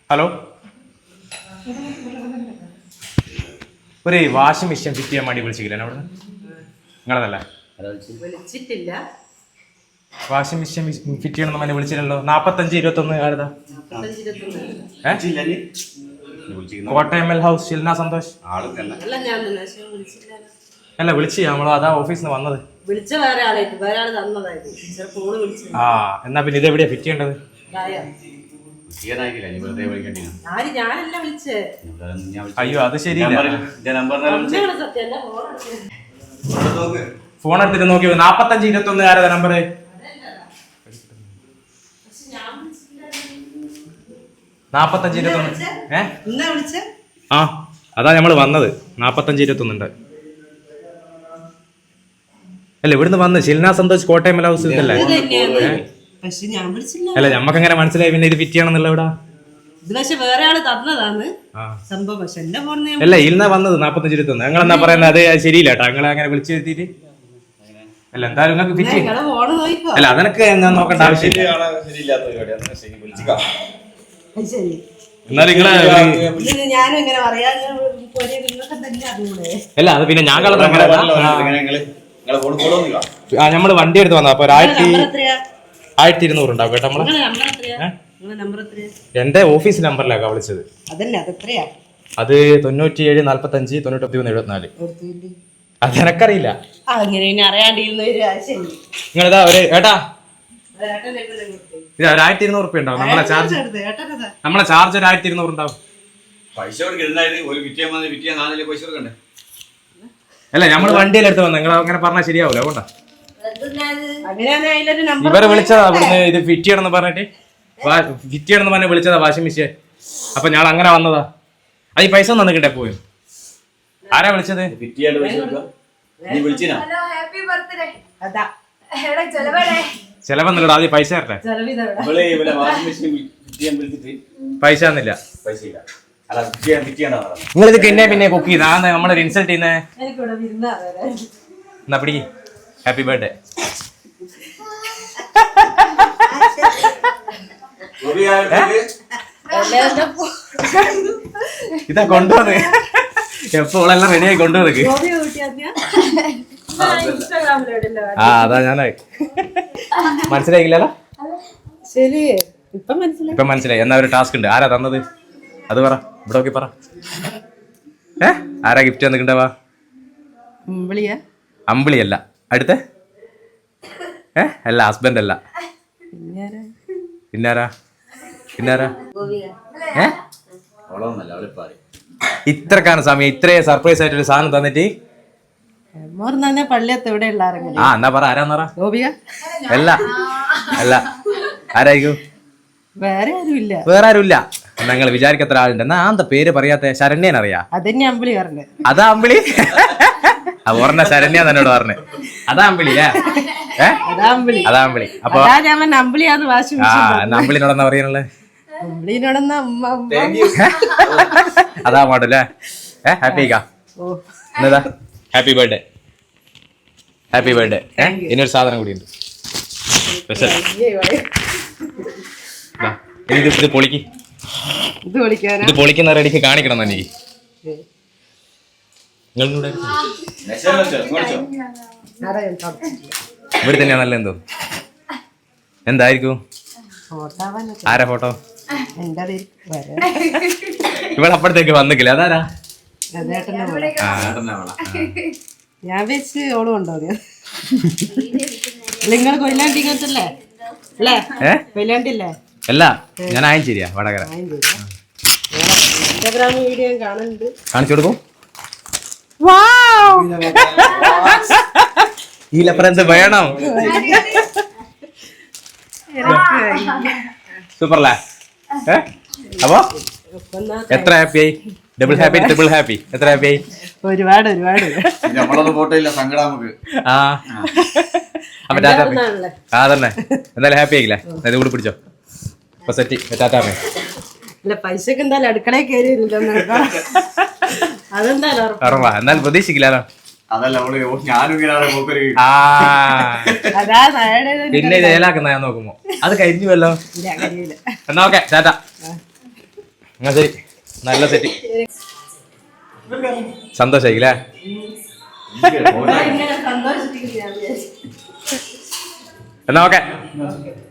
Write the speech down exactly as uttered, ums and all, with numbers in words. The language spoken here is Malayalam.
ഹലോ, ഒരു വാഷിംഗ് മെഷീൻ ഫിറ്റ് ചെയ്യാൻ വേണ്ടി വിളിച്ചില്ല അവിടെ നിങ്ങളതല്ലേ? വിളിച്ചിട്ടില്ല. വാഷിംഗ് മെഷീൻ ഫിറ്റ് ചെയ്യണമെന്ന് പറഞ്ഞ് വിളിച്ചില്ലല്ലോ. നാപ്പത്തഞ്ച് ഇരുപത്തൊന്ന് ആരുതാ? Kottayam L house Shilna Santhosh. അല്ല വിളിച്ചു നമ്മള് അതാ ഓഫീസിൽ നിന്ന് വന്നത്. വിളിച്ച വേറെ ആളായിട്ട് വേറെ ആള് തന്നതായിരുന്നു. ആ എന്നാ പിന്നെ ഇതെവിടെയാ ഫിറ്റ് ചെയ്യേണ്ടത്? അയ്യോ അത് ശരിയില്ല. ഫോൺ എടുത്തിട്ട് നോക്കി. നാപ്പത്തഞ്ച് ഇരുപത്തി ഒന്ന് ആരതാ നമ്പറ്? നാപ്പത്തഞ്ച് ഇരുപത്തി ഒന്ന്. ഏ ആ അതാ നമ്മള് വന്നത്. നാപ്പത്തഞ്ച് ഇരുപത്തി ഒന്നുണ്ട് അല്ല ഇവിടുന്ന് വന്ന് ഷിൽന സന്തോഷ് കോട്ടയം എൽ ഹൗസ് ഇതല്ലേ? അല്ല നമ്മക്ക് എങ്ങനെ മനസ്സിലായി പിന്നെ ഇത് ഫിറ്റ് ചെയ്യണമെന്നുള്ള ഇവിടെ? വേറെ ആള് തന്നതാണ് സംഭവം. പക്ഷെ എന്റെ ഫോണിൽ അല്ല ഇന്ന വന്നത് നാപ്പത്തഞ്ച് ഇരുപത്തി ഒന്ന്. നിങ്ങൾ എന്താ പറയുന്നത്? അത് ശരിയില്ല കേട്ടോ. നിങ്ങൾ അങ്ങനെ വിളിച്ചു വരുത്തിട്ട് അല്ല എന്തായാലും നിങ്ങൾക്ക് ഫിറ്റ് ചെയ്യും. അല്ല അതെനക്ക് ഞാൻ നോക്കേണ്ട ആവശ്യമില്ല. എന്നാലും നിങ്ങളെ അല്ല അത് പിന്നെ ഞാൻ കളർ നമ്മള് വണ്ടി എടുത്ത് വന്ന അപ്പൊ ആയിരത്തി ആയിരത്തി ഇരുന്നൂറ് ഉണ്ടാവും കേട്ടോ. നമ്മള് എന്റെ ഓഫീസ് നമ്പറിലേക്കാ വിളിച്ചത്. അത് തൊണ്ണൂറ്റി ഏഴ് നാല്പത്തി അഞ്ച് തൊണ്ണൂറ്റി മൂന്ന് എഴുപത്തിനാല്. അത് എനക്കറിയില്ല. നിങ്ങളിതാ ഒരു ഏട്ടാ ഇത് ഒരു ആയിരത്തി ഇരുന്നൂറ് റുപ്യ ഉണ്ടാവും. നമ്മളെ ചാർജ് നമ്മളെ ചാർജ് ഒരു ആയിരത്തി ഇരുന്നൂറ് ഉണ്ടാവും. അല്ല നമ്മള് വണ്ടിയിലെടുത്ത് വന്ന നിങ്ങൾ അങ്ങനെ പറഞ്ഞാൽ ശരിയാവൂല. അതുകൊണ്ടാ ഇവരെ വിളിച്ചതാ അവിടുന്ന് ഇത് ഫിറ്റ് ചെയ്യണമെന്ന് പറഞ്ഞിട്ട്. ഫിറ്റ് ചെയ്യണമെന്ന് പറഞ്ഞ് വിളിച്ചതാ വാഷിംഗ് മെഷീൻ. അപ്പൊ ഞാൻ അങ്ങനെ വന്നതാ. അത് ഈ പൈസ തന്നിട്ടേ പോയി. ആരാ വിളിച്ചത്? ചെലവെന്നില്ല. ആദ്യം പൈസ തരട്ടെ. പൈസ തന്നില്ല. നിങ്ങളിത് പിന്നെ പിന്നെ കുക്ക് ചെയ്ത നമ്മളൊരു ഇൻസൾട്ട് ചെയ്യുന്നേ. എന്നാ പിടി. Happy birthday. ഇതാ കൊണ്ടുവന്ന് എപ്പോഴെല്ലാം റെഡിയായി കൊണ്ടുവന്നേക്ക്. ആ അതാ ഞാനായി മനസ്സിലായില്ലല്ലോ. ശരി ഇപ്പൊ മനസ്സിലായി. ഇപ്പൊ മനസ്സിലായി. എന്നാ ഒരു ടാസ്ക് ഉണ്ട്. ആരാ തന്നത് അത് പറ. ഇവിടെ നോക്കി പറ. ഏ ആരാ ഗിഫ്റ്റ് തന്നിട്ടുണ്ടാവാ? അമ്പിളിയല്ല. അടുത്ത ഏ അല്ല ഹസ്ബൻഡ് അല്ല. പിന്നാരാ പിന്നാരാ ഏ ഇത്രക്കാണ് സമയം ഇത്രയും സർപ്രൈസ് ആയിട്ടൊരു സാധനം തന്നിട്ട്. ആ എന്നാ പറ. ആരാന്ന് പറ. അല്ല അല്ല ആരായിരിക്കും? വേറെ ആരുമില്ല. വേറെ ആരുമില്ല. നിങ്ങൾ വിചാരിക്കത്ര ആളുണ്ട്. എന്നാ എന്താ പേര് പറയാത്ത? ശരണ്യൻ അറിയാ? അതാ അമ്പിളി. ആ ഓർമ്മ ശരണ്യ തന്നോട് പറഞ്ഞേ. അതാ അമ്പിളി അല്ലേ? അതാ അമ്പിളി. അപ്പൊ ആ അമ്പിളിനോടെന്നാ പറയാനുള്ളത്? അതാ മോഡല്ലേ? ഏ ഹാപ്പി എന്നതാ ഹാപ്പി ബർത്ത്ഡേ. Happy birthday. ഏ ഇനിയൊരു സാധനം കൂടി ഉണ്ട് സ്പെഷ്യൽ. ഇത് ഇത് പൊളിക്ക്. ഇത് പൊളിക്കുന്ന റെഡിക്ക് കാണിക്കണം തന്നെ. ഇവിടെ തന്നെയാ നല്ല എന്തോ. എന്തായിരിക്കും? ആരാ ഫോട്ടോ? ഇവിടെ അപ്പഴത്തേക്ക് വന്നിക്കില്ല. അതാരാ? ഞാൻ വെച്ച് ഓളും ഉണ്ടോ? നിങ്ങൾ കൊയിലാണ്ടില്ലേ? കൊയിലാണ്ടില്ലേ? അല്ല ഞാൻ ആയഞ്ചേരിയാ വടകര. ഇൻസ്റ്റാഗ്രാം വീഡിയോ കാണുന്നുണ്ട്. കാണിച്ചു കൊടുക്കും. ഇതിലപ്പുറം എന്ത് വേണം? സൂപ്പർല്ലേ? അപ്പൊ എത്ര ഹാപ്പി ആയി? Double happy triple happy? എത്ര ഹാപ്പി ആയി? ഒരുപാട് ഒരുപാട്. ആ അപ്പൊ ആ തന്നെ എന്തായാലും ഹാപ്പി ആയില്ലേ? ഇത് കൂടി പിടിച്ചോ. അപ്പൊ സെറ്റ് ടാറ്റാ. പൈസക്ക് എന്തായാലും അടുക്കളയിൽ കയറി അതെന്തായാലും എന്നാലും പ്രതീക്ഷിക്കില്ലല്ലോ. പിന്നെ ജയിലാക്കുന്ന ഞാൻ നോക്കുമ്പോ അത് കഴിഞ്ഞുവല്ലോ. എന്നാ ഓക്കെ ടാറ്റ. എന്നാ ശരി, നല്ല സെറ്റ്, സന്തോഷായില്ലേ? ഇങ്ങനെ സന്തോഷിച്ചിരിക്കുന്നു ഞാൻ വിചാരിച്ചു. എന്നാ ഓക്കെ.